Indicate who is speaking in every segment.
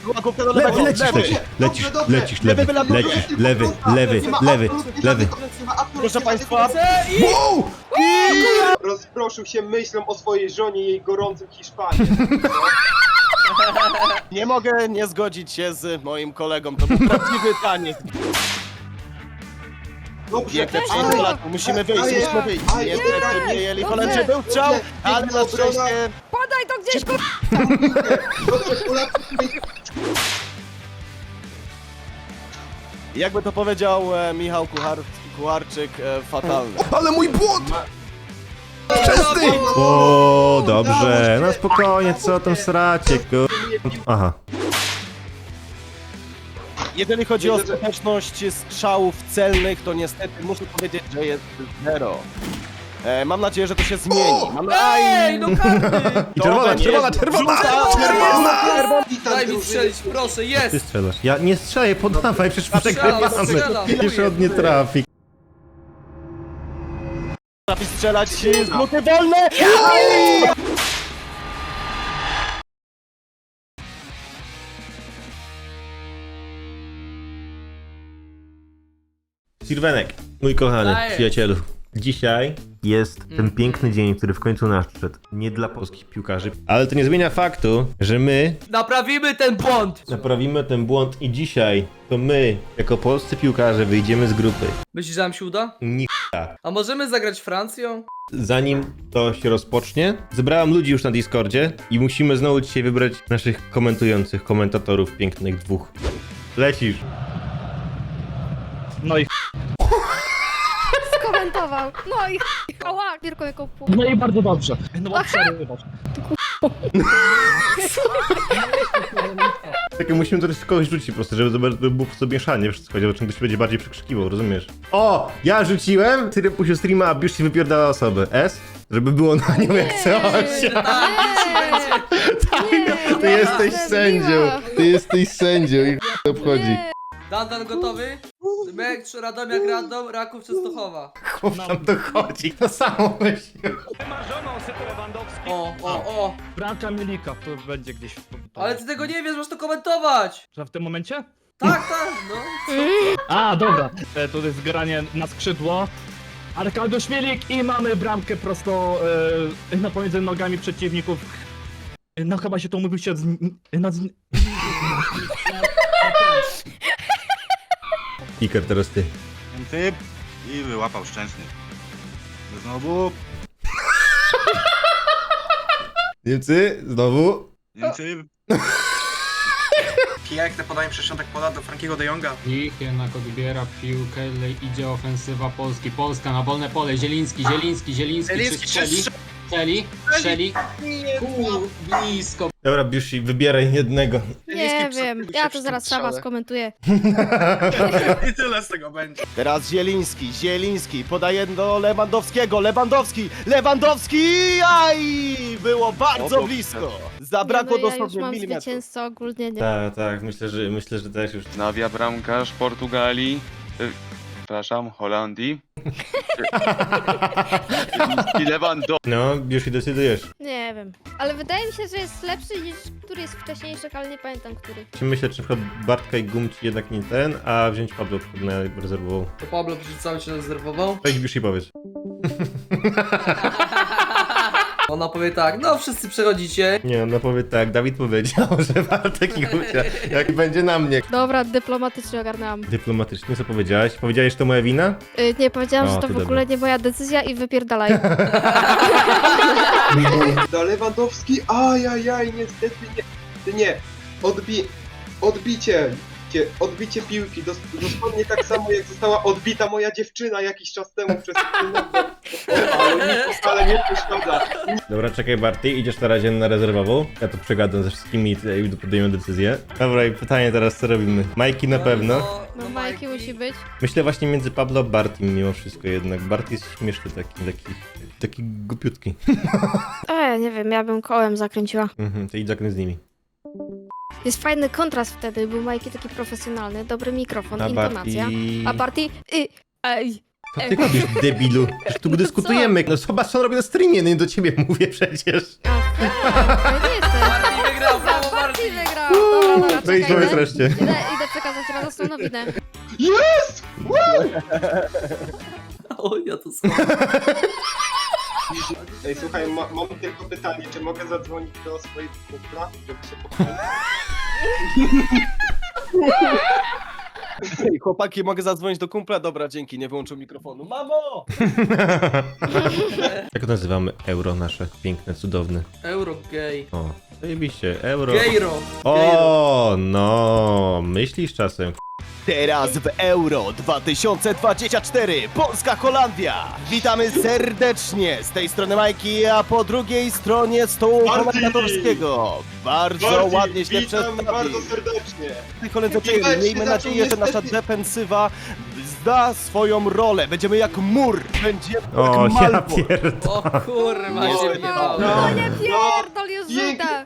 Speaker 1: Główka do lewego.
Speaker 2: Lecisz, lewy.
Speaker 1: Proszę państwa.
Speaker 2: Wow!
Speaker 3: Rozproszył się myślą o swojej żonie i jej gorącym Hiszpanii.
Speaker 1: Nie mogę nie zgodzić się z moim kolegą, to był prawdziwy taniec.
Speaker 3: Dobrze,
Speaker 1: Piękne przyjęcie Polaków, musimy wyjść. Niestety nie jeli Holendrzy, był strzał, ale na szczęście...
Speaker 4: Podaj to gdzieś,
Speaker 3: dobrze, Polacy.
Speaker 1: Jakby to powiedział Michał Kucharczyk, fatalny.
Speaker 2: Ale mój błąd! Wczesny! O, dobrze. No spokojnie, co tam sracie, Aha.
Speaker 1: Jeżeli chodzi o skuteczność strzałów celnych, to niestety muszę powiedzieć, że jest 0. Mam nadzieję, że to się zmieni.
Speaker 4: Ej, no karny!
Speaker 2: I czerwona!
Speaker 4: Daj mi strzelić, proszę,
Speaker 2: Ty
Speaker 4: jest!
Speaker 2: strzelasz. Ja nie strzelaj, podawaj, przecież przegrywamy.
Speaker 4: strzelam.
Speaker 2: Jeszcze od nie trafi.
Speaker 1: Trafi strzelać z buty wolne!
Speaker 2: Sirwenek, mój kochany
Speaker 4: Dajesz.
Speaker 2: przyjacielu. Dzisiaj jest ten piękny dzień, który w końcu nadszedł. Nie dla polskich piłkarzy, ale to nie zmienia faktu, że my
Speaker 4: Naprawimy ten błąd!
Speaker 2: naprawimy ten błąd i dzisiaj to my, jako polscy piłkarze, wyjdziemy z grupy.
Speaker 4: Myślisz, że nam się uda?
Speaker 2: Nicha.
Speaker 4: A możemy zagrać Francją?
Speaker 2: Zanim to się rozpocznie, zebrałem ludzi już na Discordzie i musimy znowu dzisiaj wybrać naszych komentujących, komentatorów pięknych dwóch. Lecisz.
Speaker 5: No i
Speaker 6: Skomentował. No i ała, Mirko jako pół.
Speaker 5: no i bardzo dobrze. No bo przerywasz.
Speaker 2: Takie musimy to też kogoś rzucić po prostu, żeby było sobie mieszanie wszystko, żeby ktoś będzie bardziej przekrzykiwał, rozumiesz? O! Ja rzuciłem, Syry puścił streama, a Biusz się wypierdala osobę. S? Żeby było na nią jak coś. Ty jesteś sędzią, ty jesteś sędzią i to obchodzi.
Speaker 4: Dan gotowy? Mek, Radomiak, Radom, Raków, Częstochowa.
Speaker 2: Chłop tam dochodzi, to samo myśli.
Speaker 4: O.
Speaker 5: Bramka Milika, to będzie gdzieś.
Speaker 4: Ale ty tego nie wiesz, masz to komentować!
Speaker 5: Że w tym momencie?
Speaker 4: Tak, no.
Speaker 5: A, dobra. To jest granie na skrzydło. Arkadiusz Milik i mamy bramkę prosto pomiędzy nogami przeciwników. No chyba się to mówił się
Speaker 2: Iker, teraz ty.
Speaker 7: Ten typ i wyłapał Szczęsny. Znowu,
Speaker 2: Niemcy, znowu.
Speaker 7: ten typ.
Speaker 8: Piękne podanie przez środek pola do Frankiego de Jonga.
Speaker 9: Ich jednak odbiera piłkę, idzie ofensywa Polski. Polska na wolne pole, Zieliński strzeli. Blisko.
Speaker 2: Dobra, Biusi, wybieraj jednego.
Speaker 6: Nie wiem, ja to zaraz sama skomentuję.
Speaker 7: I tyle z tego będzie.
Speaker 1: Teraz Zieliński podaje do Lewandowski, aj! Było bardzo blisko. Zabrakło
Speaker 6: Nie, no, ja już
Speaker 1: dosłownie
Speaker 6: mam
Speaker 1: milimetrów.
Speaker 6: zwycięzcę ogólnie, nie.
Speaker 2: Tak, myślę, że też już.
Speaker 10: Nawia bramkarz Portugalii. Przepraszam, Holandii. I Lewandowski.
Speaker 2: No, Biusi, decydujesz.
Speaker 6: Nie wiem. Ale wydaje mi się, że jest lepszy niż który jest wcześniejszy, ale nie pamiętam który.
Speaker 2: Myślę, czy na przykład Bartka i Gumci jednak nie ten, a wziąć Pablo na rezerwową.
Speaker 4: To Pablo przecież cały się rezerwował.
Speaker 2: Weź Biusi, powiedz.
Speaker 4: Ona powie tak, no wszyscy przechodzicie.
Speaker 2: Nie, ona powie tak, Dawid powiedział, że Bartek i Gucia, jak będzie na mnie.
Speaker 6: Dobra, dyplomatycznie ogarnęłam.
Speaker 2: Dyplomatycznie, co powiedziałeś? Powiedziałeś, że to moja wina?
Speaker 6: Nie, powiedziałam,
Speaker 2: O,
Speaker 6: że to
Speaker 2: ty
Speaker 6: w ogóle nie moja decyzja i wypierdalaj.
Speaker 3: Da Lewandowski, ajajaj, niestety nie. Odbicie piłki, dosłownie tak samo jak została odbita moja dziewczyna jakiś czas temu przez ale nic wcale nie przeszkadza.
Speaker 2: Dobra, czekaj Barty, idziesz na razie na rezerwową. Ja to przegadam ze wszystkimi i podejmę decyzję. Dobra, i pytanie teraz, co robimy? Majki na pewno.
Speaker 6: No Majki musi być.
Speaker 2: Myślę właśnie między Pablo a Bartim mimo wszystko jednak. Barty jest śmieszny taki głupiutki.
Speaker 6: Nie wiem, ja bym kołem zakręciła.
Speaker 2: To idź zakręt z nimi.
Speaker 6: Jest fajny kontrast wtedy, był Majki taki profesjonalny, dobry mikrofon,
Speaker 2: A
Speaker 6: intonacja.
Speaker 2: Barty...
Speaker 6: A Barty... Ej.
Speaker 2: Co ty robisz, debilu? Przecież tu dyskutujemy. No zobacz, co on robi na streamie, no nie do ciebie mówię przecież.
Speaker 6: Ja nie jestem.
Speaker 4: Martin wygrał, brawo
Speaker 6: Barty
Speaker 4: Martin!
Speaker 6: wygrał. Dobra,
Speaker 2: No i powiedz reszcie.
Speaker 6: Idę przekazać radosną nowinę.
Speaker 3: Jest!
Speaker 4: O, ja to słucham.
Speaker 3: Ej, słuchaj, mam tylko pytanie, czy mogę zadzwonić do swojego kumpla, żeby się pochwalić?
Speaker 1: Ej, chłopaki, mogę zadzwonić do kumpla? Dobra, dzięki, nie wyłączył mikrofonu. Mamo!
Speaker 2: Jak nazywamy euro nasze piękne, cudowne?
Speaker 4: Eurogay.
Speaker 2: O, zajebiście, euro.
Speaker 4: Gejro.
Speaker 2: O, no, myślisz czasem.
Speaker 1: Teraz w Euro 2024 Polska-Holandia. Witamy serdecznie z tej strony Majki, a po drugiej stronie stołu
Speaker 3: Bardziej.
Speaker 1: komentatorskiego. Bardzo
Speaker 3: Bardziej,
Speaker 1: ładnie się
Speaker 3: witam
Speaker 1: przedstawił.
Speaker 3: bardzo serdecznie.
Speaker 1: Koledzy,
Speaker 3: Widać,
Speaker 1: miejmy
Speaker 3: że
Speaker 1: nadzieję, że
Speaker 3: zaczął
Speaker 1: nasza
Speaker 3: niestety-
Speaker 1: defensywa zda swoją rolę. Będziemy jak mur. Będziemy
Speaker 2: O,
Speaker 1: jak
Speaker 2: ja
Speaker 1: Malbork.
Speaker 2: pierdolę.
Speaker 4: O kurwa,
Speaker 3: No,
Speaker 4: się
Speaker 3: no,
Speaker 4: wjebało.
Speaker 6: No nie pierdol, już
Speaker 3: pięknie.
Speaker 6: rzuta.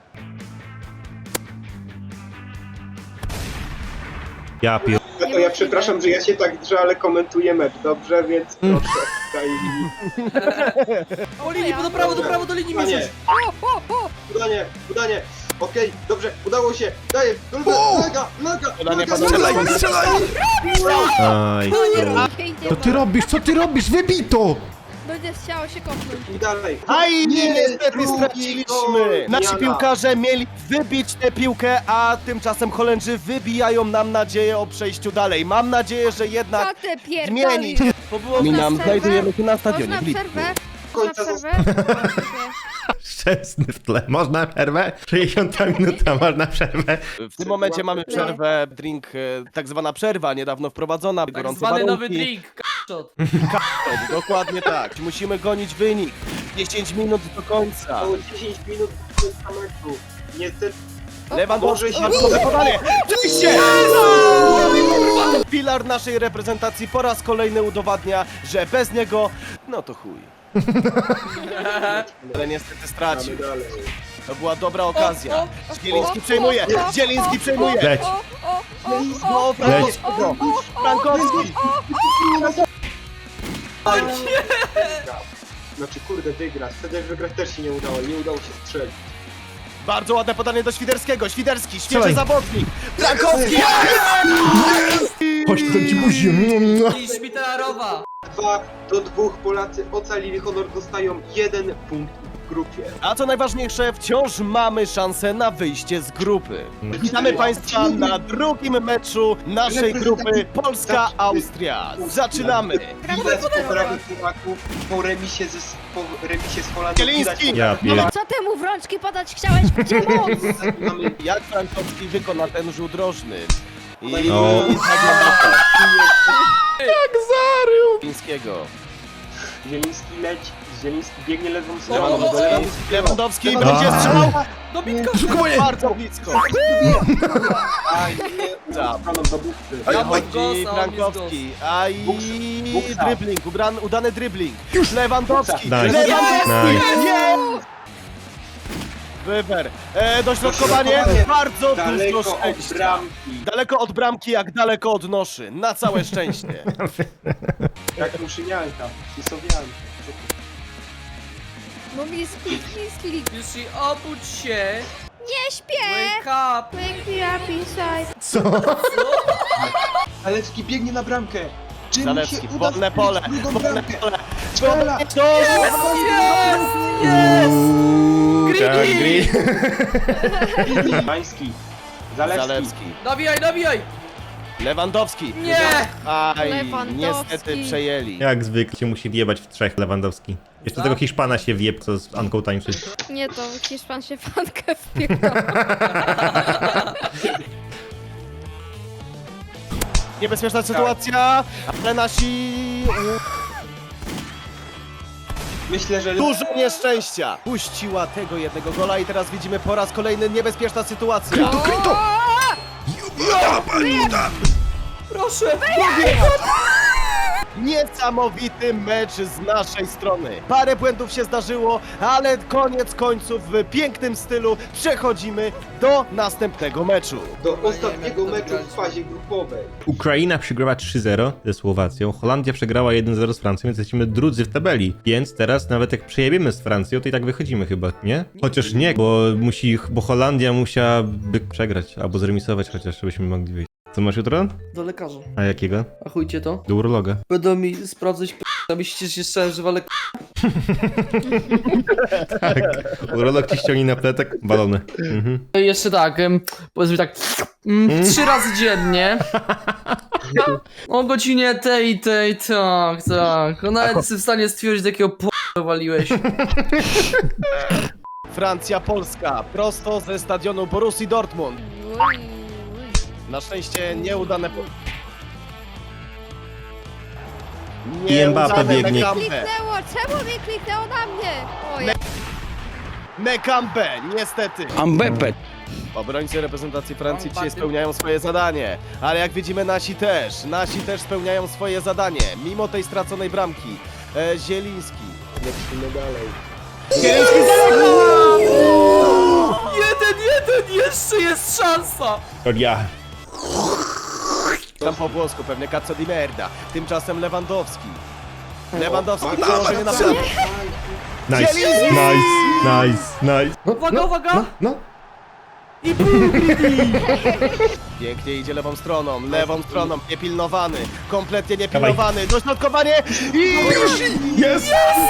Speaker 2: Ja pier...
Speaker 3: To ja przepraszam, że ja się tak drżę, ale komentuję mecz, dobrze? Więc proszę, daj mi.
Speaker 4: O linii, do prawo, do linii
Speaker 3: Udanie,
Speaker 4: musisz.
Speaker 3: udanie. Okej, dobrze, udało się. Daję, naga.
Speaker 1: Podanie panowie.
Speaker 2: Aj. Co ty robisz? Co ty robisz? Wybito!
Speaker 6: Będzie chciało się kopnąć.
Speaker 3: I dalej.
Speaker 1: Aj, niestety
Speaker 3: drugi
Speaker 1: straciliśmy.
Speaker 3: gol.
Speaker 1: Nasi
Speaker 3: Jana.
Speaker 1: piłkarze mieli wybić tę piłkę, a tymczasem Holendrzy wybijają nam nadzieję o przejściu dalej. Mam nadzieję, że
Speaker 6: Co
Speaker 1: jednak
Speaker 6: ty
Speaker 1: zmieni.
Speaker 6: pierdolisz?
Speaker 1: Bo było
Speaker 6: Można
Speaker 1: nam,
Speaker 6: przerwę?
Speaker 1: znajdujemy się na stadionie
Speaker 6: Można
Speaker 1: w Lipsku.
Speaker 6: przerwę? Można
Speaker 3: Końca
Speaker 6: przerwę?
Speaker 2: Szczęsny w tle. Można przerwę? 60 minuta, można przerwę.
Speaker 1: W tym momencie mamy przerwę, drink, tak zwana przerwa, niedawno wprowadzona,
Speaker 4: Tak
Speaker 1: gorące
Speaker 4: zwany nowy
Speaker 1: warunki.
Speaker 4: drink. K***shot.
Speaker 1: Dokładnie tak. Musimy gonić wynik. 10 minut do końca.
Speaker 3: Mało 10 minut do końca meczu. Niestety.
Speaker 1: Lewandowski,
Speaker 3: Boże,
Speaker 1: bardzo podanie. Oczywiście! Filar naszej reprezentacji po raz kolejny udowadnia, że bez niego, no to chuj. Ale niestety stracił.
Speaker 3: Dalej.
Speaker 1: To była dobra okazja. Zieliński
Speaker 6: o,
Speaker 1: przejmuje.
Speaker 6: o,
Speaker 1: Zieliński przejmuje.
Speaker 2: Leć.
Speaker 1: No, Frankowskiego. Frankowski.
Speaker 3: Znaczy, kurde, wygrać. Wtedy jak wygrać też się nie udało. Nie udało się strzelić.
Speaker 1: Bardzo ładne podanie do Świderskiego. Świderski, świeży
Speaker 2: Strzelaj.
Speaker 1: zawodnik. Frankowski.
Speaker 2: Chodź, to ci buzi.
Speaker 4: I szpitalarowa.
Speaker 3: 2-2 Polacy ocalili honor, dostają 1 punkt w grupie.
Speaker 1: A co najważniejsze, wciąż mamy szansę na wyjście z grupy. Witamy Państwa na drugim meczu naszej grupy Polska-Austria. Zaczynamy!
Speaker 3: Widać poprawy Polaków po remisie z Holandią.
Speaker 1: Zieliński.
Speaker 2: Ja pier...
Speaker 6: No co ty mu w rączki podać chciałeś? Gdzie moc?
Speaker 3: Mamy
Speaker 1: Jak Frankowski wykona ten rzut rożny? I
Speaker 2: No.
Speaker 1: jak zarył! Chińskiego.
Speaker 3: Zieliński leci. Zieliński biegnie lewą
Speaker 4: O,
Speaker 3: stroną.
Speaker 4: o, o,
Speaker 1: Lewandowski
Speaker 3: Lewandowski.
Speaker 1: będzie strzelał
Speaker 4: Do bitka.
Speaker 1: bardzo blisko.
Speaker 3: Aj, nie,
Speaker 1: Za.
Speaker 3: stroną do bukty.
Speaker 1: Wychodzi Frankowski. Aj,
Speaker 3: Buksa.
Speaker 1: dribbling, udany dribbling. Lewandowski.
Speaker 2: Nice.
Speaker 1: Lewandowski.
Speaker 2: Nice.
Speaker 1: Jest! Wyber. Dośrodkowanie. Bardzo dużo
Speaker 3: Daleko od
Speaker 1: szczęścia.
Speaker 3: bramki.
Speaker 1: Daleko od bramki, jak daleko od noszy. Na całe szczęście.
Speaker 3: Jak muszynianka. Pisowianka.
Speaker 6: No misklik.
Speaker 4: Już i obudź się.
Speaker 6: Nie śpię!
Speaker 4: Wake up.
Speaker 6: Wake me up inside.
Speaker 2: Co?
Speaker 3: Zalewski biegnie na bramkę. Czy mu
Speaker 1: Zalewski,
Speaker 3: się uda
Speaker 1: wolne
Speaker 3: strzelić
Speaker 1: pole.
Speaker 3: drugą
Speaker 1: Wolne
Speaker 3: bramkę?
Speaker 1: pole.
Speaker 3: Strzela!
Speaker 2: Kangri.
Speaker 3: Mański. Zalewski.
Speaker 1: Zalewski.
Speaker 4: Dobijaj.
Speaker 1: Lewandowski.
Speaker 4: Nie.
Speaker 1: Aj,
Speaker 6: Lewandowski.
Speaker 1: niestety przejęli.
Speaker 2: Jak zwykle się musi wjebać w trzech Lewandowski. Jeszcze tego Hiszpana się wjeb, co z Anką tańczy.
Speaker 6: Nie, to Hiszpan się fankę wpierdol.
Speaker 1: Niebezpieczna sytuacja, ale nasi...
Speaker 3: Myślę, że
Speaker 1: Dużo nieszczęścia. Puściła tego jednego gola i teraz widzimy po raz kolejny niebezpieczna sytuacja.
Speaker 4: Proszę.
Speaker 1: Niesamowity mecz z naszej strony. Parę błędów się zdarzyło, ale koniec końców w pięknym stylu przechodzimy do następnego meczu.
Speaker 3: Do ostatniego meczu w fazie grupowej.
Speaker 2: Ukraina przegrała 3-0 ze Słowacją, Holandia przegrała 1-0 z Francją, więc jesteśmy drudzy w tabeli. Więc teraz nawet jak przejebiemy z Francją, to i tak wychodzimy chyba, nie? Chociaż nie, bo Holandia musiałaby przegrać, albo zremisować chociaż, żebyśmy mogli wyjść. Co masz jutro?
Speaker 4: Do lekarza.
Speaker 2: A jakiego?
Speaker 4: A chujcie to.
Speaker 2: Do urologa.
Speaker 4: Będą mi sprawdzać myślicie, że jeszcze że walę
Speaker 2: Tak. Urolog ci ściągnie na pletek balony. Mhm.
Speaker 4: Jeszcze tak, powiedzmy tak 3 razy dziennie. O godzinie tej, tak. On nawet jest w stanie stwierdzić, jakiego waliłeś.
Speaker 1: Francja, Polska, prosto ze stadionu Borussii Dortmund. Na szczęście nieudane
Speaker 2: I Mbappe biegnie.
Speaker 1: Mekambe.
Speaker 6: Kliknęło, czemu mi kliknęło na mnie? Oj,
Speaker 1: Mekambe, niestety.
Speaker 9: Ambepe.
Speaker 1: Obrońcy reprezentacji Francji dzisiaj spełniają swoje zadanie, ale jak widzimy nasi też spełniają swoje zadanie, mimo tej straconej bramki. Zieliński. Lecimy dalej. Zieliński
Speaker 4: Jeden, jeszcze jest szansa!
Speaker 2: Ja.
Speaker 1: tam po włosku, pewnie Cazzo di merda. Tymczasem Lewandowski. Lewandowski przełożenie na bramkę.
Speaker 2: Nice,
Speaker 1: Zieliński!
Speaker 2: nice.
Speaker 4: Uwaga!
Speaker 2: No.
Speaker 1: Pięknie idzie lewą stroną, niepilnowany, kompletnie niepilnowany, dośrodkowanie i...
Speaker 2: Jest!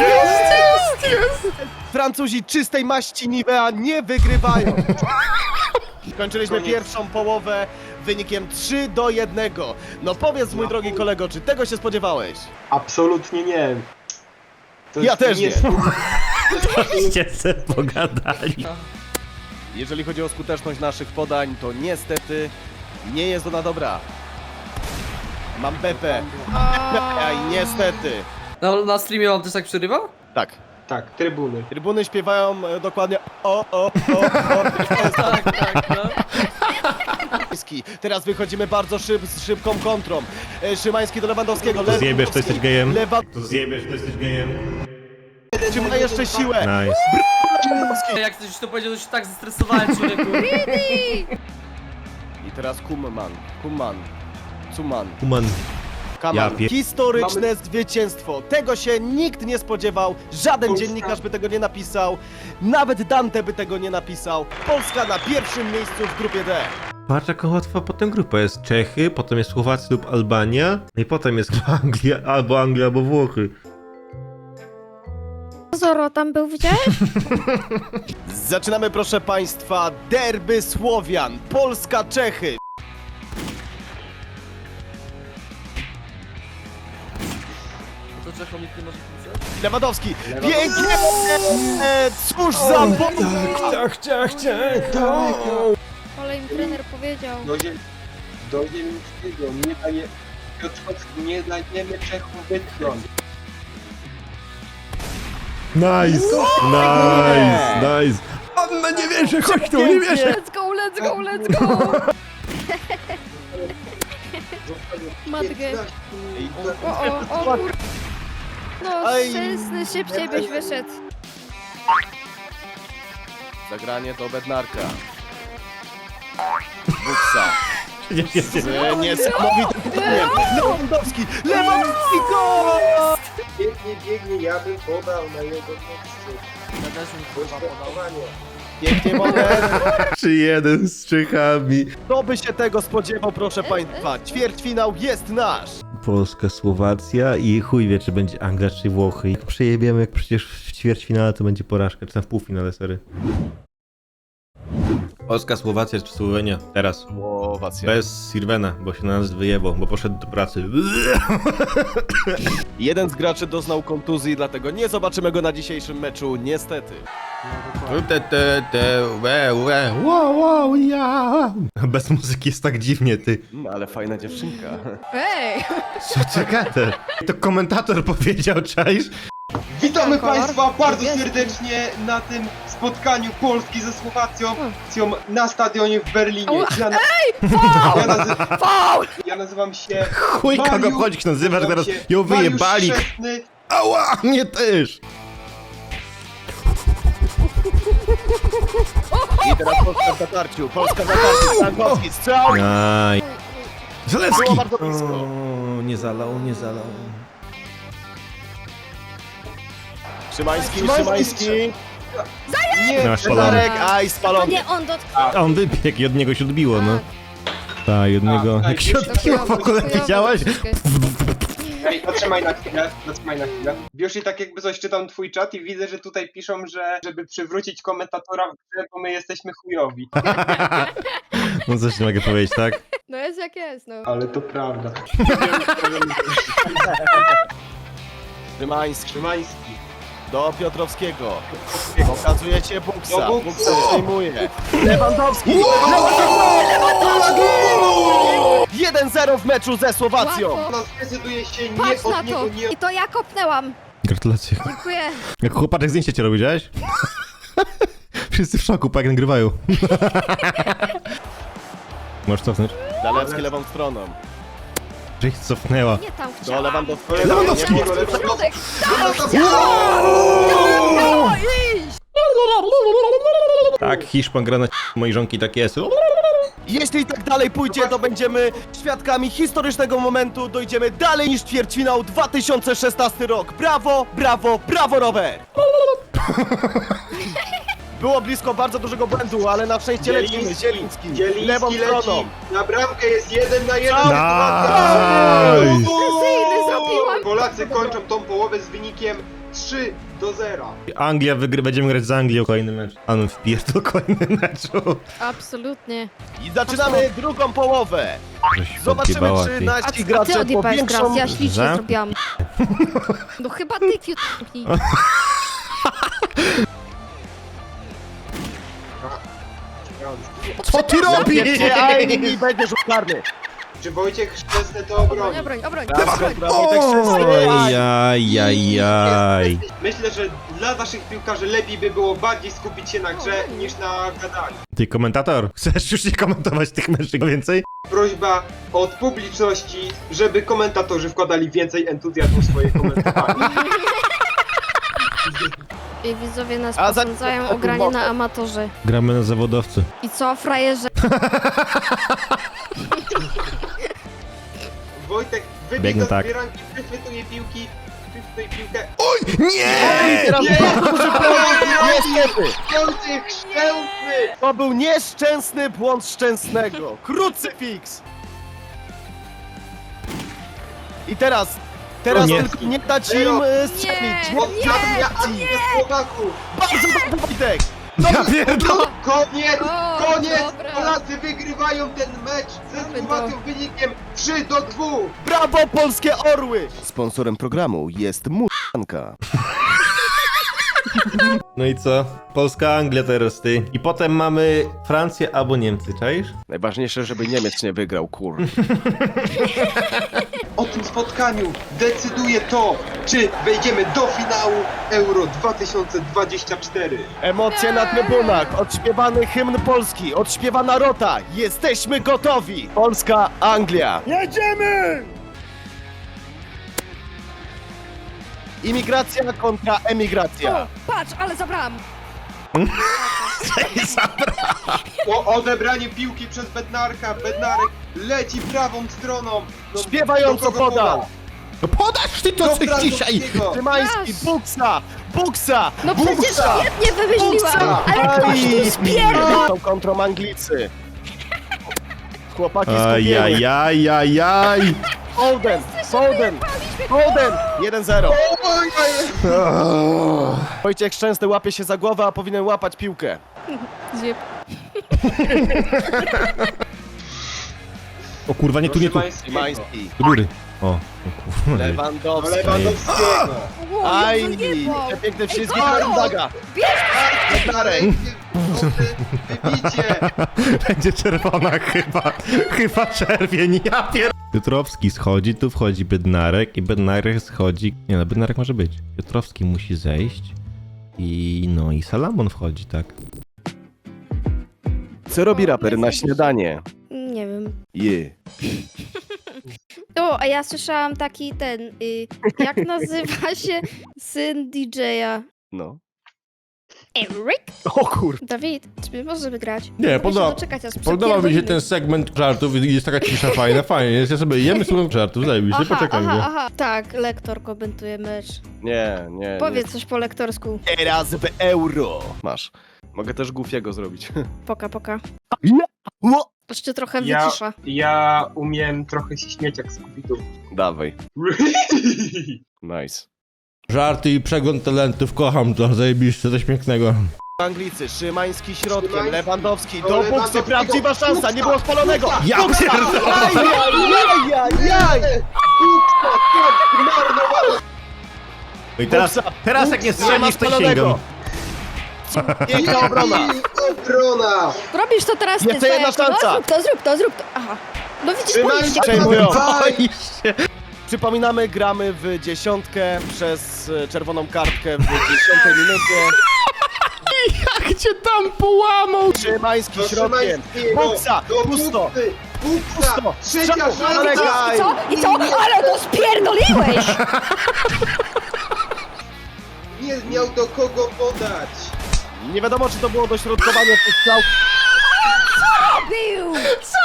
Speaker 1: Francuzi czystej maści Nivea nie wygrywają. Skończyliśmy pierwszą połowę wynikiem 3-1. No powiedz, mój drogi kolego, czy tego się spodziewałeś?
Speaker 3: Absolutnie nie. To
Speaker 1: Ja też nie.
Speaker 2: Żeście se pogadali.
Speaker 1: Jeżeli chodzi o skuteczność naszych podań, to niestety nie jest ona dobra. Mam Beppe. I niestety.
Speaker 4: Na streamie wam też tak przerywa?
Speaker 1: Tak.
Speaker 3: Tak, trybuny.
Speaker 1: Trybuny śpiewają dokładnie
Speaker 4: Tak, no.
Speaker 1: Teraz wychodzimy bardzo z szybką kontrą. Szymański do Lewandowskiego.
Speaker 2: To zjebiesz, to jesteś gejem.
Speaker 1: Lewandowski
Speaker 2: To zjebiesz, to jesteś gejem.
Speaker 1: ma jeszcze siłę.
Speaker 2: Nice.
Speaker 4: Jak ktoś to powiedział, to się tak zestresowałem, człowieku.
Speaker 1: I teraz Kuman.
Speaker 2: Human.
Speaker 1: Kaman.
Speaker 2: Ja
Speaker 1: Historyczne zwycięstwo. Tego się nikt nie spodziewał. Żaden dziennikarz by tego nie napisał. Nawet Dante by tego nie napisał. Polska na pierwszym miejscu w grupie D.
Speaker 2: Patrz jaka łatwa potem grupa jest. Czechy, potem jest Słowacja lub Albania. I potem jest Anglia, albo Włochy.
Speaker 6: Zoro tam był, widziałeś?
Speaker 1: Zaczynamy, proszę państwa, derby Słowian. Polska-Czechy.
Speaker 4: To Czechom nikt nie może pisać?
Speaker 1: Lewandowski. Pięknie. Cóż za
Speaker 6: Ale im trener powiedział.
Speaker 3: Do Zielińskiego nie daje... Piotrkowski, nie dajemy Czechom wytchnąć.
Speaker 2: Nice. Anna nie wierzę, chodź tu, nie wierzę.
Speaker 6: Let's go! Matkę. O kur... No,
Speaker 1: Aj.
Speaker 6: szczęsny, szybciej byś wyszedł.
Speaker 1: Zagranie do Bednarka. Buksa. Z niesamowitym podaniem. Lewandowski! Gol!
Speaker 3: Biegnie, ja bym podał na jego miejscu.
Speaker 4: Ja też bym chyba podał.
Speaker 1: Pięknie moment.
Speaker 2: 3-1 z Czechami.
Speaker 1: Kto by się tego spodziewał, proszę państwa? Ćwierćfinał jest nasz.
Speaker 2: Polska, Słowacja i chuj wie, czy będzie Anglia, czy Włochy. Jak przejebiemy, jak przecież w ćwierćfinale to będzie porażka, czy tam w półfinale, sorry. Polska, Słowacja czy Słowenia? Teraz.
Speaker 1: Słowacja.
Speaker 2: Bez Sirwena, bo się na nas wyjebał, bo poszedł do pracy.
Speaker 1: Jeden z graczy doznał kontuzji, dlatego nie zobaczymy go na dzisiejszym meczu, niestety.
Speaker 2: Bez muzyki jest tak dziwnie, ty.
Speaker 1: Ale fajna dziewczynka.
Speaker 6: Ej!
Speaker 2: Co czekate? To komentator powiedział, czaisz?
Speaker 3: Witamy
Speaker 6: Kolor?
Speaker 3: Państwa bardzo
Speaker 6: Niebieski.
Speaker 3: serdecznie na tym spotkaniu Polski ze Słowacją na stadionie w Berlinie. Ja nazywam się
Speaker 2: Chuj, kogo
Speaker 3: Mariusz,
Speaker 2: chodzi, nazywasz,
Speaker 3: nazywam
Speaker 2: teraz
Speaker 3: się
Speaker 2: ją
Speaker 3: Mariusz
Speaker 2: wyjebali.
Speaker 3: Szczesny.
Speaker 2: Ała, mnie też.
Speaker 1: I teraz Polska w zatarciu. Polska w zatarciu. Stankowski, strzał!
Speaker 2: Aj. Zalewski!
Speaker 1: Było bardzo blisko.
Speaker 2: O, nie zalał, nie zalał.
Speaker 1: Szymański,
Speaker 3: Szymański.
Speaker 1: Szymański.
Speaker 3: Nie,
Speaker 2: Masz spalony.
Speaker 1: Darek, aj,
Speaker 6: To
Speaker 1: spalony.
Speaker 6: nie on dotknął.
Speaker 2: A on wybiegł i od niego się odbiło, no. Tak, i od niego.
Speaker 3: tak,
Speaker 2: Jak się odbiło w ogóle, widziałeś?
Speaker 3: Ej, zatrzymaj na chwilę, Bioshi, tak jakby coś czytam twój czat i widzę, że tutaj piszą, że żeby przywrócić komentatora w grze, bo my jesteśmy chujowi.
Speaker 2: No coś nie mogę powiedzieć, tak?
Speaker 6: No jest jak jest, no.
Speaker 3: Ale to prawda.
Speaker 1: Szymański.
Speaker 3: Szymański.
Speaker 1: Do Piotrowskiego. Okazujecie Buksa.
Speaker 3: Do Buksa.
Speaker 1: Buksa przejmuje. Lewandowski. 1-0 w meczu ze Słowacją.
Speaker 6: Łatwo.
Speaker 3: Ona zdecyduje się nie
Speaker 6: Patrz na
Speaker 3: od niego,
Speaker 6: to.
Speaker 3: nie
Speaker 6: I to ja kopnęłam.
Speaker 2: Gratulacje.
Speaker 6: Dziękuję.
Speaker 2: Jak chłopaczek zdjęcie cię robi, widziałeś? Wszyscy w szoku, jak nagrywają. Możesz cofnąć?
Speaker 1: Zalewski lewą stroną.
Speaker 2: Że ich cofnęła.
Speaker 6: Nie tam
Speaker 1: Do
Speaker 6: chciałam.
Speaker 1: Lewandowskiego.
Speaker 2: Lewandowskiego.
Speaker 1: Nie,
Speaker 6: Środek. Tam chciałam. Iść.
Speaker 2: Tak, Hiszpan gra na mojej żonki, tak jest.
Speaker 1: Jeśli tak dalej pójdzie, to będziemy świadkami historycznego momentu. Dojdziemy dalej niż ćwierćfinał 2016 rok. Brawo, brawo, brawo, rower! Było blisko bardzo dużego błędu, ale na szczęście lecimy. Zieliński, lewą stroną.
Speaker 3: leci. Na bramkę jest 1 na 1.
Speaker 2: Nice!
Speaker 6: Precyzyjny zrobiłam.
Speaker 3: Polacy kończą tą połowę z wynikiem 3-0.
Speaker 2: Anglia będziemy grać z Anglią kolejny mecz. A no wpierdol kolejny meczu.
Speaker 6: Absolutnie.
Speaker 1: I zaczynamy drugą połowę. Zobaczymy, czy
Speaker 6: A
Speaker 1: nasi
Speaker 6: ty
Speaker 1: gracze po
Speaker 6: odjebałeś
Speaker 1: większą...
Speaker 6: gras, ja ślicznie
Speaker 2: Że?
Speaker 6: zrobiłam. No chyba ty fiutki.
Speaker 2: Co ty robisz?
Speaker 1: I będzie rzut karny.
Speaker 3: Czy Wojciech Szczesny to
Speaker 6: Obroń,
Speaker 3: obroni?
Speaker 6: obroń, obroń.
Speaker 1: Brawo,
Speaker 6: obroń.
Speaker 1: brawo, Wojtek Szczęsny.
Speaker 2: Ojajajaj.
Speaker 3: Myślę, że dla naszych piłkarzy lepiej by było bardziej skupić się na grze niż na gadaniu.
Speaker 2: Ty komentator, chcesz już nie komentować tych meczów więcej?
Speaker 3: Prośba od publiczności, żeby komentatorzy wkładali więcej entuzjazmu w swoje komentowanie.
Speaker 6: I widzowie nas
Speaker 1: A za-
Speaker 6: posądzają o granie na amatorze.
Speaker 2: Gramy na zawodowcy.
Speaker 6: I co, frajerze?
Speaker 3: Wojtek
Speaker 2: Biegnę
Speaker 3: wybiega
Speaker 2: tak.
Speaker 3: z bieranki, wychwytuje piłki, chwytuje piłkę.
Speaker 2: Nie!
Speaker 1: Teraz
Speaker 3: Nie!
Speaker 1: bardzo duży błąd. Niestety.
Speaker 3: Wojciech Szczęsny!
Speaker 1: To był nieszczęsny błąd Szczęsnego. Krucyfiks. I teraz
Speaker 2: O nie.
Speaker 1: tylko nie dać im strzelić.
Speaker 6: Nie.
Speaker 3: Oddziałania akcji Słowaków!
Speaker 1: Bardzo dobry Wojtek.
Speaker 2: Ja pierdolę!
Speaker 3: Koniec!
Speaker 6: O,
Speaker 3: Koniec!
Speaker 6: dobra.
Speaker 3: Polacy wygrywają ten mecz ze
Speaker 6: Mamy
Speaker 3: Słowacją wynikiem 3-2!
Speaker 1: Brawo, polskie orły! Sponsorem programu jest Mutanka.
Speaker 2: No i co? Polska, Anglia teraz ty. I potem mamy Francję albo Niemcy, czaisz?
Speaker 1: Najważniejsze, żeby Niemiec nie wygrał, kur.
Speaker 3: O tym spotkaniu decyduje to, czy wejdziemy do finału Euro 2024.
Speaker 1: Emocje na trybunach, odśpiewany hymn Polski, odśpiewana rota. Jesteśmy gotowi! Polska, Anglia. Jedziemy! Imigracja kontra emigracja.
Speaker 6: O, patrz, ale zabrałam.
Speaker 3: Odebranie piłki przez Bednarka. Bednarek leci prawą stroną.
Speaker 1: Śpiewająco
Speaker 3: do kogo
Speaker 1: podał.
Speaker 3: poda?
Speaker 2: No podasz ty to
Speaker 3: Do
Speaker 2: coś dzisiaj!
Speaker 3: Francuskiego.
Speaker 1: Szymański,
Speaker 6: Masz.
Speaker 1: Buksa, Buksa,
Speaker 6: No przecież
Speaker 1: Buksa.
Speaker 6: świetnie wymyśliłam, ale ktoś tu spierdol.
Speaker 1: Tą kontrą Anglicy. Chłopaki skupieni.
Speaker 2: Ajajajajaj!
Speaker 1: Foden, Foden, Foden. 1-0.
Speaker 3: Oj,
Speaker 1: Wojciech Szczęsny łapie się za głowę, a powinien łapać piłkę.
Speaker 6: Zjeb.
Speaker 2: O kurwa, nie tu, nie tu.
Speaker 1: Szymański,
Speaker 2: Do góry. O kurwa.
Speaker 1: Lewandowski.
Speaker 3: Lewandowskiego.
Speaker 1: Ajni, te piękne wszystkie, uwaga.
Speaker 3: Bednarek. Wybicie.
Speaker 2: Będzie czerwona chyba. Chyba czerwień, ja pier... Piotrowski schodzi, tu wchodzi Bednarek i Bednarek schodzi... Nie no, Bednarek może być. Piotrowski musi zejść i no i Salamon wchodzi, tak.
Speaker 1: Co robi raper na śniadanie?
Speaker 6: Nie wiem.
Speaker 1: Je.
Speaker 6: O, a ja słyszałam taki jak nazywa się syn DJ-a?
Speaker 1: No.
Speaker 6: Eric?
Speaker 1: O kur...
Speaker 6: Dawid, czy my możemy grać?
Speaker 2: Nie,
Speaker 6: Muszę doczekać, aż
Speaker 2: podoba mi się
Speaker 6: przepierdolimy.
Speaker 2: ten segment żartów i jest taka cisza fajna, fajnie. Jest, ja sobie jemy, słucham żartów, zajebiście, poczekam go.
Speaker 6: aha. Tak, lektor komentuje mecz.
Speaker 1: Nie, nie.
Speaker 6: Powiedz coś po lektorsku.
Speaker 1: Teraz w euro. Masz. Mogę też Goofiego zrobić.
Speaker 6: Poka.
Speaker 1: Ło!
Speaker 6: Jeszcze trochę
Speaker 3: Ja,
Speaker 6: wycisza.
Speaker 3: ja umiem trochę się śmiać jak z Scooby-Doo.
Speaker 1: Dawaj. Nice.
Speaker 2: Żarty i przegląd talentów, kocham to, zajebiście, coś pięknego.
Speaker 1: Anglicy, Szymański środkiem,
Speaker 3: Szymański.
Speaker 1: Lewandowski,
Speaker 3: Do
Speaker 1: do buksy,
Speaker 3: Lewandowskiego.
Speaker 1: prawdziwa szansa, nie było spalonego!
Speaker 2: Ja
Speaker 1: Buksa!
Speaker 2: pierdolę!
Speaker 1: Ajajajajaj!
Speaker 2: No i teraz jak nie strzelisz, to sięgam.
Speaker 1: Piękna obrona!
Speaker 3: Obrona!
Speaker 6: Robisz to teraz ty,
Speaker 1: Jeszcze jedna
Speaker 6: Fajerko.
Speaker 1: szansa.
Speaker 6: No, zrób to. Aha. No widzisz,
Speaker 3: Trzymaj
Speaker 6: boisz się.
Speaker 1: Przejmują.
Speaker 2: Boisz się.
Speaker 1: Przypominamy, gramy w dziesiątkę przez czerwoną kartkę w 10 minucie.
Speaker 2: Jak cię tam połamał?
Speaker 1: Szymański
Speaker 3: Do
Speaker 1: środkiem,
Speaker 3: Szymańskiego,
Speaker 1: buksa,
Speaker 3: do
Speaker 1: pusto,
Speaker 3: Buksy, Buksa!
Speaker 1: pusto,
Speaker 3: Trzecia
Speaker 1: strzał,
Speaker 3: szansa!
Speaker 1: zalegaj.
Speaker 6: I co? Ale go spierdoliłeś!
Speaker 3: Nie miał do kogo podać!
Speaker 1: Nie wiadomo, czy to było dośrodkowanie tych strzał.
Speaker 6: Bił!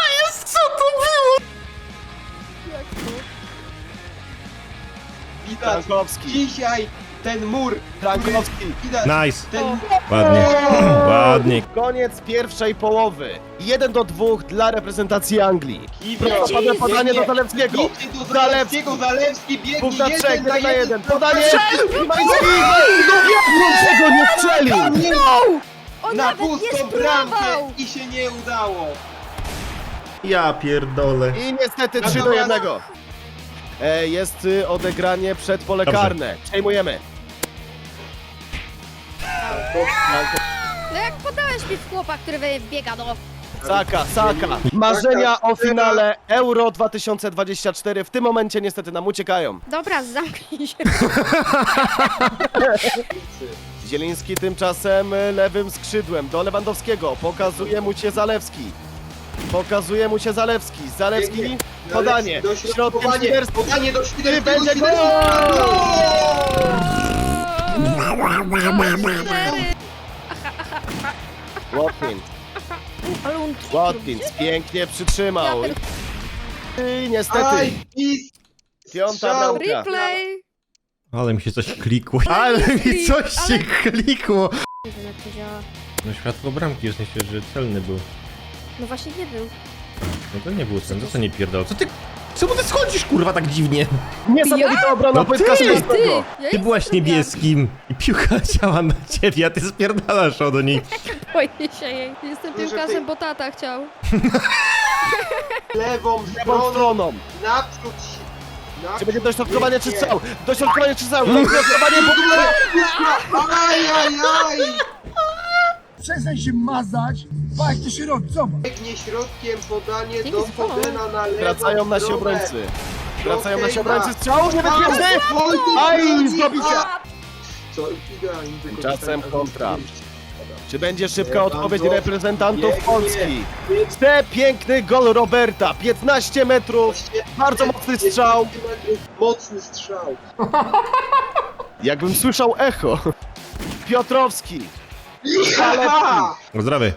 Speaker 3: Widać,
Speaker 1: Frankowski,
Speaker 3: dzisiaj ten mur,
Speaker 1: Frankowski.
Speaker 3: widać,
Speaker 2: Nice.
Speaker 3: ten
Speaker 2: Ładnie. Ładnie.
Speaker 1: Koniec pierwszej połowy. 1-2 dla reprezentacji Anglii.
Speaker 3: Kiwio,
Speaker 1: Padło podanie do Zalewskiego.
Speaker 3: Idźcie do Zalewskiego, Zalewski biegnie
Speaker 1: Punkt na 3, 1 na 1.
Speaker 3: 1.
Speaker 1: Podanie! Szymański! Dlaczego nie strzelił?
Speaker 6: On
Speaker 3: Na
Speaker 6: nawet nie
Speaker 3: pustą bramkę
Speaker 6: spróbował!
Speaker 3: i się nie udało.
Speaker 2: Ja pierdolę.
Speaker 1: I niestety 3-1. Jest odegranie przed pole
Speaker 2: Dobrze.
Speaker 1: karne. Przejmujemy.
Speaker 6: No jak podałeś mi w chłopa, który biega, no.
Speaker 1: Saka. Marzenia o finale Euro 2024 w tym momencie niestety nam uciekają.
Speaker 6: Dobra, zamknij się.
Speaker 1: Zieliński tymczasem lewym skrzydłem do Lewandowskiego. Pokazuje mu się Zalewski. Zalewski, podanie. Środkiem
Speaker 3: Dośrodkowanie,
Speaker 1: Świderski.
Speaker 3: podanie do Świderskiego.
Speaker 1: Będzie gol! Watkins pięknie przytrzymał. I niestety,
Speaker 3: Aj, i
Speaker 1: piąta
Speaker 3: strzał.
Speaker 1: bramka.
Speaker 6: Replay!
Speaker 2: Ale mi się coś klikło. Ale mi coś się klikło.
Speaker 6: Nie wiem jak to działa.
Speaker 2: No światło bramki, w sensie, że celny był.
Speaker 6: No właśnie nie był.
Speaker 2: No to nie był celny, to co nie pierdol. Co ty... Czemu ty schodzisz, kurwa, tak dziwnie?
Speaker 1: Niesamowita obrona
Speaker 2: No
Speaker 1: Wojtka
Speaker 2: ty!
Speaker 1: Szymańskiego.
Speaker 2: Ty byłaś niebieskim i piłka leciała na ciebie, a ty spierdalasz od niej.
Speaker 6: Boję się jej. Jestem
Speaker 3: Może
Speaker 6: piłkarzem,
Speaker 3: ty-
Speaker 6: bo tata chciał.
Speaker 3: Lewą
Speaker 1: Lewą stroną.
Speaker 3: naprzód się.
Speaker 1: Czy będzie dośrodkowanie czy strzał? Dośrodkowanie czy strzał? Dośrodkowanie w ogóle!
Speaker 3: Ajajaj!
Speaker 11: Przestań się mazać, jak to się robi, zobacz.
Speaker 3: Biegnie środkiem podanie
Speaker 6: Dzięki
Speaker 3: do
Speaker 6: za pomoc.
Speaker 3: Fodena na lewą
Speaker 1: Wracają nasi
Speaker 3: stronę.
Speaker 1: obrońcy. Wracają
Speaker 3: Okej,
Speaker 1: nasi obrońcy.
Speaker 3: ma.
Speaker 1: Strzał niebezpieczny!
Speaker 3: Oj,
Speaker 1: Aj, zdobycia!
Speaker 3: Co idealnie
Speaker 1: Tymczasem
Speaker 3: wykorzystanie.
Speaker 1: kontra. Czy będzie szybka
Speaker 3: Lewandowski
Speaker 1: odpowiedź reprezentantów
Speaker 3: biegnie.
Speaker 1: Polski? Piękny gol Roberta, 15 metrów, bardzo mocny strzał.
Speaker 3: Mocny strzał.
Speaker 1: Jakbym słyszał echo. Piotrowski.
Speaker 3: Aha!
Speaker 2: Zdrowy.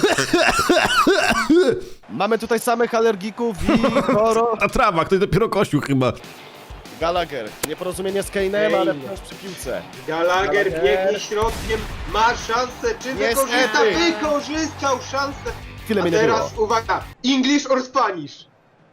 Speaker 1: Mamy tutaj samych alergików i choro.
Speaker 2: A trawa, ktoś dopiero kosił chyba.
Speaker 1: Gallagher. Nieporozumienie z Kane'em, ale wciąż przy piłce.
Speaker 3: Gallagher biegnie środkiem, ma szansę, czy wykorzysta?
Speaker 1: Niestety.
Speaker 3: Wykorzystał szansę.
Speaker 1: Chwilę
Speaker 3: A
Speaker 1: mnie nie było.
Speaker 3: teraz uwaga, English or Spanish?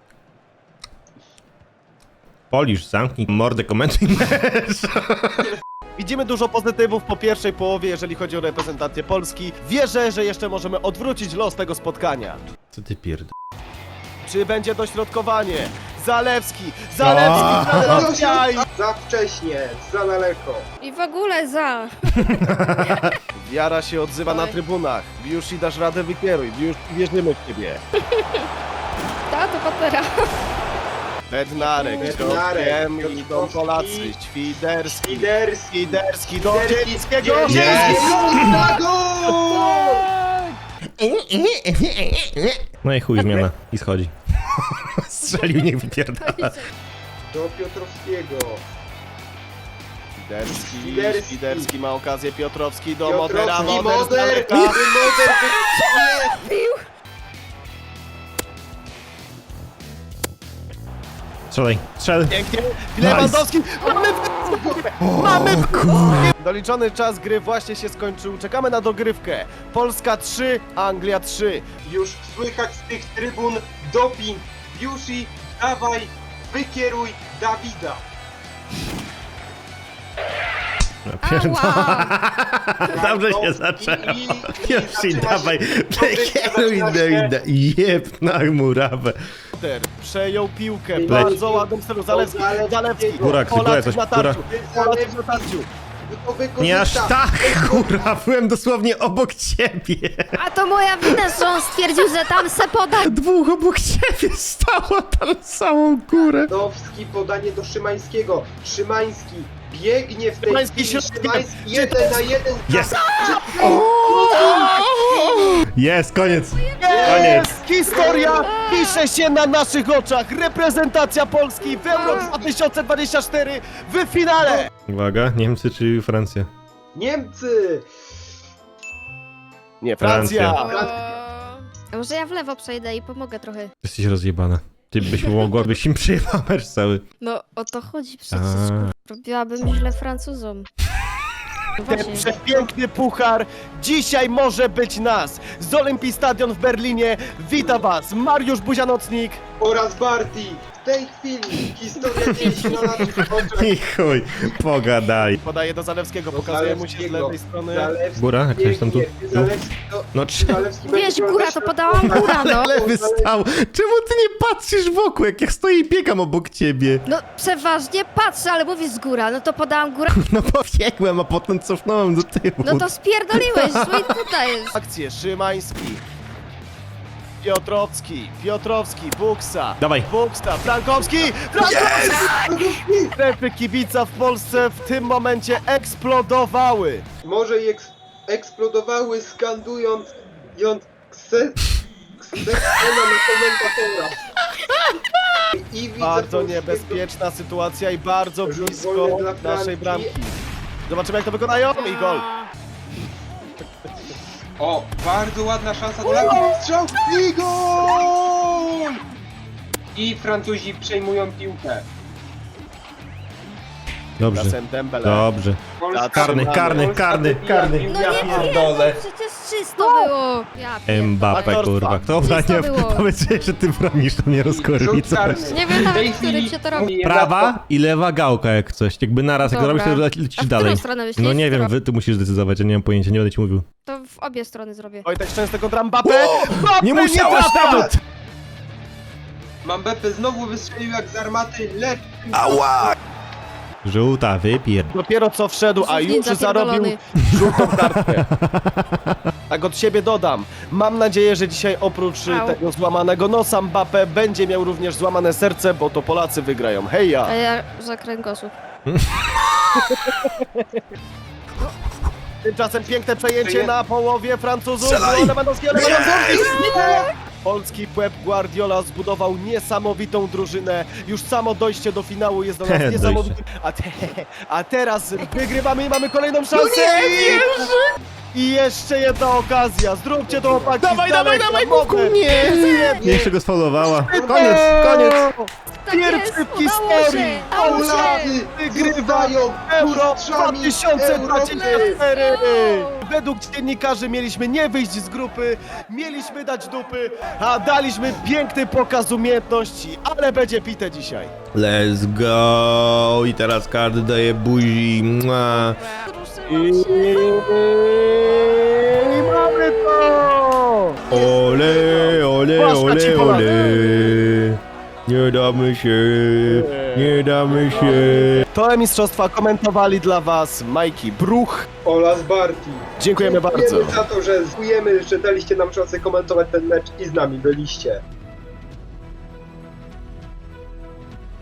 Speaker 2: Polisz, zamknij mordę, komentuj mecz.
Speaker 1: Widzimy dużo pozytywów po pierwszej połowie, jeżeli chodzi o reprezentację Polski. Wierzę, że jeszcze możemy odwrócić los tego spotkania.
Speaker 2: Co ty pierd...
Speaker 1: Czy będzie dośrodkowanie? Zalewski! Aj!
Speaker 3: Za wcześnie, za daleko.
Speaker 6: I w ogóle za.
Speaker 1: Wiara się odzywa na trybunach. Już i dasz radę, wykieruj. Już wierzymy w ciebie.
Speaker 6: Ta, to patera.
Speaker 1: Bednarek,
Speaker 3: Bednarek,
Speaker 1: środkiem idą
Speaker 3: Piotrkowski.
Speaker 1: Polacy, Świderski,
Speaker 3: Liderski.
Speaker 1: Świderski do Zielińskiego.
Speaker 3: Na gol!
Speaker 2: No i chuj, zmiana. I schodzi. Strzelił, niech wypierdala.
Speaker 3: Do Piotrowskiego.
Speaker 1: Świderski, Świderski ma okazję, Piotrowski do Modera,
Speaker 3: Piotrowski,
Speaker 1: Moder z
Speaker 3: Moder,
Speaker 1: daleka.
Speaker 3: Moder,
Speaker 2: Strzelaj, strzel.
Speaker 1: Pięknie, Lewandowski, mamy Doliczony czas gry właśnie się skończył, czekamy na dogrywkę. Polska 3, Anglia 3.
Speaker 3: Już słychać z tych trybun doping. Biusi, dawaj, wykieruj Dawida.
Speaker 2: Pierdolę. Dobrze się zaczęło. Już i dawaj, kieruj, jeb na murawę.
Speaker 1: Moder przejął piłkę, bardzo ładnym stylu, Zalewski,
Speaker 2: Góra,
Speaker 1: Polacy
Speaker 2: coś,
Speaker 1: na
Speaker 2: góra.
Speaker 1: tarciu, Polacy na tarciu.
Speaker 2: Nie aż tak, kurwa, byłem dosłownie obok ciebie.
Speaker 6: A to moja wina, że on stwierdził, że tam se poda.
Speaker 2: Dwóch obok ciebie stało tam całą górę.
Speaker 3: Dowski, podanie do Szymańskiego. Szymański biegnie w tej
Speaker 1: Szymański
Speaker 3: chwili.
Speaker 1: środkiem.
Speaker 3: Szymański 1 na 1.
Speaker 2: Jest. Jest, koniec. Koniec.
Speaker 1: Historia pisze się na naszych oczach. Reprezentacja Polski w Euro 2024 w finale.
Speaker 2: Uwaga, Niemcy czy Francja?
Speaker 3: Niemcy!
Speaker 1: Nie, Francja.
Speaker 6: A może ja w lewo przejdę i pomogę trochę.
Speaker 2: Jesteś rozjebana. Ty byś im przyjechał mecz cały.
Speaker 6: No o to chodzi przecież.
Speaker 2: A.
Speaker 6: Robiłabym źle Francuzom. No
Speaker 1: Ten
Speaker 6: właśnie.
Speaker 1: przepiękny puchar dzisiaj może być nas. Z Olympii Stadion w Berlinie wita was Mariusz Buzianocnik.
Speaker 3: Oraz Barty. W tej chwili historia dzieje się na naszych oczach.
Speaker 2: I chuj, pogadaj.
Speaker 1: Podaje do Zalewskiego, pokazuje mu się z lewej strony.
Speaker 3: Zalewski
Speaker 2: Góra, jak coś tam tu?
Speaker 3: biegnie. Zalewski to...
Speaker 2: No
Speaker 3: Zalewski
Speaker 6: Wiesz,
Speaker 3: będzie
Speaker 6: góra, to podałam góra, no.
Speaker 2: lewy stał. Czemu ty nie patrzysz wokół, jak ja stoję i biegam obok ciebie?
Speaker 6: No przeważnie patrzę, ale mówisz z góra, no to podałam góra.
Speaker 2: No pobiegłem, a potem cofnąłem do tyłu.
Speaker 6: No to spierdoliłeś, no i tutaj jest.
Speaker 1: Akcję Szymański. Piotrowski, Buksa.
Speaker 2: Dawaj.
Speaker 1: Buksa, Frankowski! Strefy kibica w Polsce w tym momencie eksplodowały.
Speaker 3: Może i eksplodowały skandując Ksena na komentatora. I widzę
Speaker 1: Bardzo
Speaker 3: polskiego-
Speaker 1: niebezpieczna sytuacja i bardzo
Speaker 3: Rzut
Speaker 1: blisko
Speaker 3: wolny dla
Speaker 1: naszej
Speaker 3: Francji.
Speaker 1: bramki. Zobaczymy jak to wykonają i gol.
Speaker 3: O, bardzo ładna szansa do lewa. Strzał i gol! I Francuzi przejmują piłkę.
Speaker 2: Dobrze,
Speaker 1: Czasem Dembele.
Speaker 2: dobrze.
Speaker 3: Polska
Speaker 2: Karny, karny, karny, karny.
Speaker 6: No nie wiem, przecież czysto było. Ja pierdolę.
Speaker 2: Mbappe, kurwa. Dobra,
Speaker 6: Czysto
Speaker 2: nie
Speaker 6: było.
Speaker 2: powiedz, że ty bronisz, to mnie rozkorwi
Speaker 3: Rzut
Speaker 2: coś.
Speaker 3: karny.
Speaker 6: Nie wiem
Speaker 3: W
Speaker 6: nawet,
Speaker 3: tej
Speaker 6: w którym
Speaker 3: chwili
Speaker 6: się to robi.
Speaker 2: Prawa i lewa gałka jak coś. Jakby naraz, jak to robisz,
Speaker 6: Dobra.
Speaker 2: to lecisz
Speaker 6: A w
Speaker 2: dalej.
Speaker 6: którą stronę myślisz?
Speaker 2: No nie wiem,
Speaker 6: Którą?
Speaker 2: ty musisz zdecydować, ja nie mam pojęcia, nie będę ci mówił.
Speaker 6: To w obie strony zrobię.
Speaker 1: Wojtek Szczęsny kontra Mbappe. Mbappe
Speaker 2: Nie musiałeś
Speaker 1: trafia!
Speaker 2: nawet!
Speaker 3: Mbappe znowu wystrzelił jak z armaty, lecz...
Speaker 2: Żółta, wypier...
Speaker 1: Dopiero co wszedł, a już
Speaker 6: Ninja
Speaker 1: zarobił
Speaker 6: pierdolony.
Speaker 1: żółtą kartkę. Tak od siebie dodam. Mam nadzieję, że dzisiaj oprócz
Speaker 6: Au.
Speaker 1: tego złamanego nosa Mbappe będzie miał również złamane serce, bo to Polacy wygrają. Heja!
Speaker 6: A ja za kręgosłup.
Speaker 1: Tymczasem piękne przejęcie
Speaker 3: Przyjęcie.
Speaker 1: na połowie Francuzów. Lewandowski. Polski Pep Guardiola zbudował niesamowitą drużynę. Już samo dojście do finału jest dla nas
Speaker 2: Dojście.
Speaker 1: niesamowite. A teraz wygrywamy i mamy kolejną szansę. I jeszcze jedna okazja. Zróbcie to, chłopaki.
Speaker 2: Dawaj,
Speaker 1: z daleka.
Speaker 2: dawaj,
Speaker 1: Mogę.
Speaker 2: Bóbku, nie! Nie jeszcze go sfaulowała. Koniec, koniec!
Speaker 6: Tak
Speaker 1: Pierwszy
Speaker 6: jest,
Speaker 1: w
Speaker 6: udało
Speaker 1: historii.
Speaker 6: się, udało się.
Speaker 3: Polacy
Speaker 1: Wygrywają Euro 2024! Według dziennikarzy mieliśmy nie wyjść z grupy, mieliśmy dać dupy, a daliśmy piękny pokaz umiejętności, ale będzie pite dzisiaj.
Speaker 2: Let's go! I teraz każdy daje buzi. Mua.
Speaker 1: I mamy to!
Speaker 2: Ole, ole,
Speaker 1: Polska ci
Speaker 2: ole,
Speaker 1: Polacy.
Speaker 2: ole. Nie damy się, nie damy się.
Speaker 1: To mistrzostwa komentowali dla was Majki Bruch.
Speaker 3: Oraz Barty.
Speaker 1: Dziękujemy bardzo.
Speaker 3: Dziękujemy za to, że że daliście nam szansę komentować ten mecz i z nami byliście.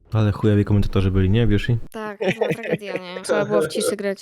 Speaker 2: Ale chujowi komentatorzy byli, nie, Bioshi?
Speaker 6: Tak, to była tragedia, nie? Trzeba było w ciszy grać.